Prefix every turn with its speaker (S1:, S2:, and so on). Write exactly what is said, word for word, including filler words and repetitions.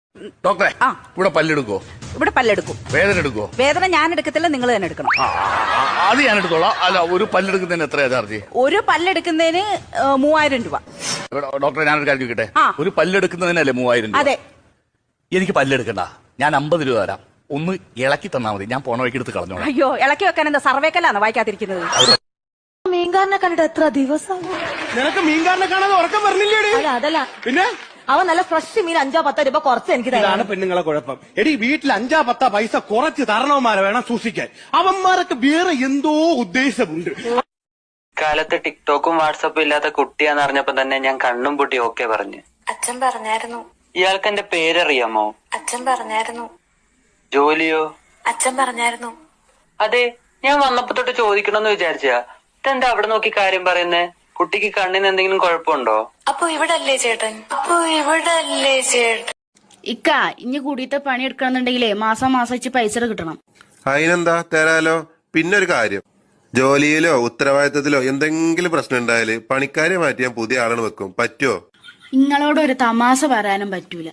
S1: ഡോക്ടറെ
S2: ആ.
S1: ഇവിടെ പല്ലെടുക്കോ?
S2: ഇവിടെ പല്ലെടുക്കും.
S1: വേദന എടുക്കോ?
S2: വേദന ഞാൻ എടുക്കത്തില്ല, നിങ്ങൾ തന്നെ എടുക്കണം.
S1: ആ, ആ, അത് ഞാൻ എടുത്തോളാം. അല്ല, ഒരു പല്ലെടുക്കുന്നതിന് എത്രയാ ചാർജ്?
S2: ഒരു പല്ലെടുക്കുന്നതിന് ഏ, മൂവായിരം രൂപ.
S1: ഡോക്ടറെ ഞാനൊരു കാര്യം ചോദിക്കട്ടെ?
S2: ആ.
S1: ഒരു പല്ലെടുക്കുന്നതിനല്ലേ മൂവായിരം രൂപ?
S2: അതെ.
S1: എനിക്ക് പല്ലെടുക്കണ്ട, ഞാൻ അമ്പത് രൂപ തരാം. ഒന്ന് ഇളക്കി തന്നാ മതി, ഞാൻ പോണ വഴിക്ക് എടുത്ത് കളഞ്ഞോളാം.
S2: അയ്യോ, ഇളക്കി വെക്കാൻ എന്താ സർവേക്കല്ലാന്ന് വായിക്കാതിരിക്കുന്നത്?
S3: മീൻകാരനെ കണ്ടിട്ട് എത്ര ദിവസം?
S4: നിനക്ക് മീൻകാരനെ കാണാതെ ഉറക്കം പറഞ്ഞില്ലേടി?
S3: അല്ല അതല്ല,
S4: പിന്നെ
S3: അവൻ നല്ല ഫ്രഷ് മീൻ അഞ്ചോ പത്തോ രൂപ കുറച്ച് എനിക്ക്
S4: ഇതാണ്
S3: തരാണ്.
S4: പെണ്ണുങ്ങളെ കുഴപ്പം. എടി വീട്ടിൽ അഞ്ചാ പത്താ പൈസ കുറച്ച് തരണവന്മാരെ വേണം സൂക്ഷിക്കാൻ. അവന്മാരൊക്കെ വേറെ എന്തോ ഉദ്ദേശമുണ്ട്.
S5: കാലത്ത് ടിക്ടോക്കും വാട്സപ്പും ഇല്ലാത്ത കുട്ടിയാന്ന് അറിഞ്ഞപ്പോ തന്നെ ഞാൻ കണ്ണും പൂട്ടി ഓക്കെ പറഞ്ഞു.
S6: അച്ഛൻ പറഞ്ഞായിരുന്നു.
S5: ഇയാൾക്ക് എന്റെ പേരറിയാമോ?
S6: അച്ഛൻ പറഞ്ഞായിരുന്നു.
S5: ജോലിയോ?
S6: അച്ഛൻ പറഞ്ഞായിരുന്നു.
S5: അതെ, ഞാൻ വന്നപ്പോ തൊട്ട് ചോദിക്കണമെന്ന് വിചാരിച്ചാ. ഇതെന്താ അവിടെ നോക്കി കാര്യം പറയുന്നേ? കുട്ടിക്ക് കണ്ണിന് എന്തെങ്കിലും കുഴപ്പമുണ്ടോ?
S6: അപ്പൊ ഇവിടെ അല്ലേ ചേട്ടൻ? അപ്പൊ ഇവിടെ അല്ലേ ചേട്ടൻ?
S7: ഇക്ക ഇനി കൂടിയിട്ട് പണി എടുക്കണമെന്നുണ്ടെങ്കിലേ മാസം മാസം വെച്ച് പൈസ കിട്ടണം.
S8: അതിനെന്താ തരാലോ. പിന്നെ ഒരു കാര്യം, ജോലിയിലോ ഉത്തരവാദിത്തത്തിലോ എന്തെങ്കിലും പ്രശ്നം ഉണ്ടായാല് പണിക്കാരെ മാറ്റി ഞാൻ പുതിയ ആളാണ് വെക്കും. പറ്റുമോ?
S7: നിങ്ങളോട് ഒരു തമാശ പറയാനും പറ്റൂല.